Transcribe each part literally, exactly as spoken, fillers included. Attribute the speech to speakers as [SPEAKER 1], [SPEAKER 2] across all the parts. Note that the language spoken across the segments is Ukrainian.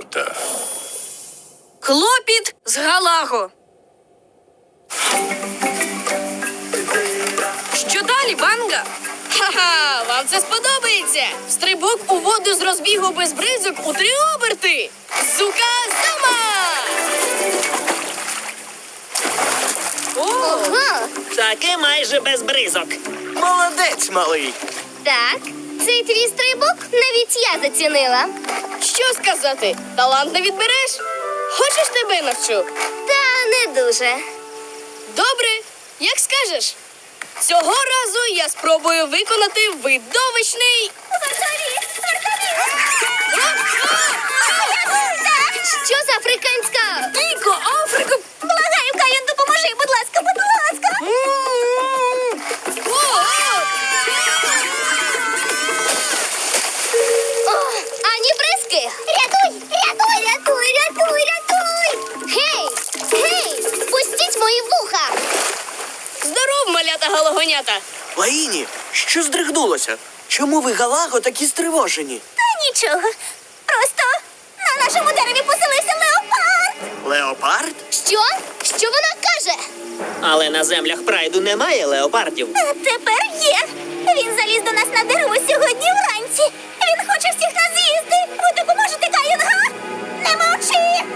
[SPEAKER 1] леопарда.
[SPEAKER 2] Клопіт з Галаго. Що далі, Банга? Ха-ха, вам це сподобається! Стрибок у воду з розбігу без бризок у три оберти! Зука-зама!
[SPEAKER 3] Ого!
[SPEAKER 4] Таки майже без бризок.
[SPEAKER 5] Молодець, малий.
[SPEAKER 3] Так, цей твій стрибок навіть я зацінила.
[SPEAKER 2] Що сказати? Талант не відбереш? Хочеш, тебе навчу?
[SPEAKER 3] Та не дуже.
[SPEAKER 2] Добре, як скажеш. Цього разу я спробую виконати видовищний...
[SPEAKER 3] Що за африканська?
[SPEAKER 2] Дико, Африку!
[SPEAKER 3] Благаю, Кайон, допоможи, будь ласка, будь ласка. О, ані бризки. Рятуй, рятуй, рятуй, рятуй, рятуй. Гей, гей, пустіть мої вуха.
[SPEAKER 2] Здоров, малята галагонята!
[SPEAKER 5] Лаїні, що здригнулося? Чому ви, Галаго, такі стривожені?
[SPEAKER 3] Та нічого, просто на нашому дереві поселився леопард.
[SPEAKER 5] Леопард?
[SPEAKER 3] Що? Що вона каже?
[SPEAKER 4] Але на землях прайду немає леопардів.
[SPEAKER 3] А тепер є. Він заліз до нас на дерево сьогодні вранці. Він хоче всіх нас з'їсти. Ви допоможете, Кайон, га? Не мовчи.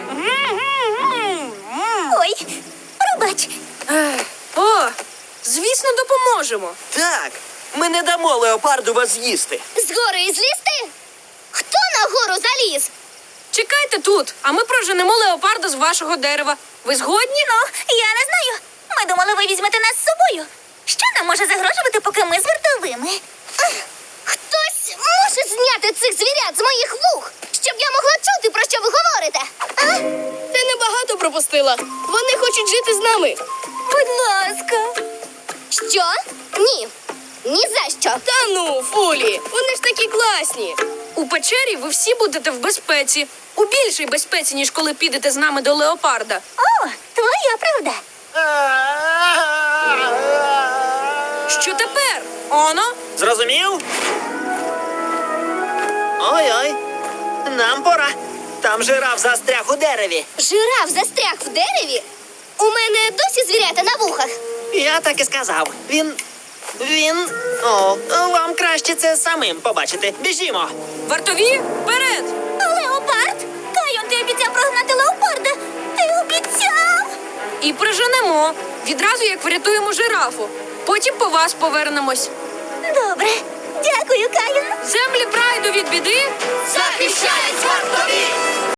[SPEAKER 3] Ой, пробач.
[SPEAKER 2] Ех, О, звісно, допоможемо.
[SPEAKER 5] Так, ми не дамо леопарду вас з'їсти.
[SPEAKER 3] Згори злізти? Хто на гору заліз?
[SPEAKER 2] Чекайте тут, а ми проженемо леопарда з вашого дерева. Ви згодні?
[SPEAKER 3] Ну, я не знаю. Ми думали, ви візьмете нас з собою. Що нам може загрожувати, поки ми з вартовими? Хтось може зняти цих звірят з моїх вух, щоб я могла чути, про що ви говорите. А?
[SPEAKER 2] Ти небагато пропустила. Вони хочуть жити з нами.
[SPEAKER 3] Будь ласка. Що? Ні. Ні за що.
[SPEAKER 2] Та ну, Фулі, вони ж такі класні. У печері ви всі будете в безпеці. У більшій безпеці, ніж коли підете з нами до леопарда.
[SPEAKER 3] О, твоя правда.
[SPEAKER 2] Що тепер? Оно?
[SPEAKER 4] Зрозумів? Ой-ой, нам пора. Там жираф застряг у дереві.
[SPEAKER 3] Жираф застряг в дереві? У мене досі звірята на вухах.
[SPEAKER 4] Я так і сказав. Він. Він. О, вам краще це самим побачити. Біжімо.
[SPEAKER 2] Вартові, вперед!
[SPEAKER 3] Леопард? Кайон, ти обіцяв прогнати леопарда. Ти обіцяв.
[SPEAKER 2] І проженемо. Відразу як врятуємо жирафу. Потім по вас повернемось.
[SPEAKER 3] Добре. Дякую, Кайон.
[SPEAKER 2] Землі прайду від біди
[SPEAKER 5] Захищають вартові!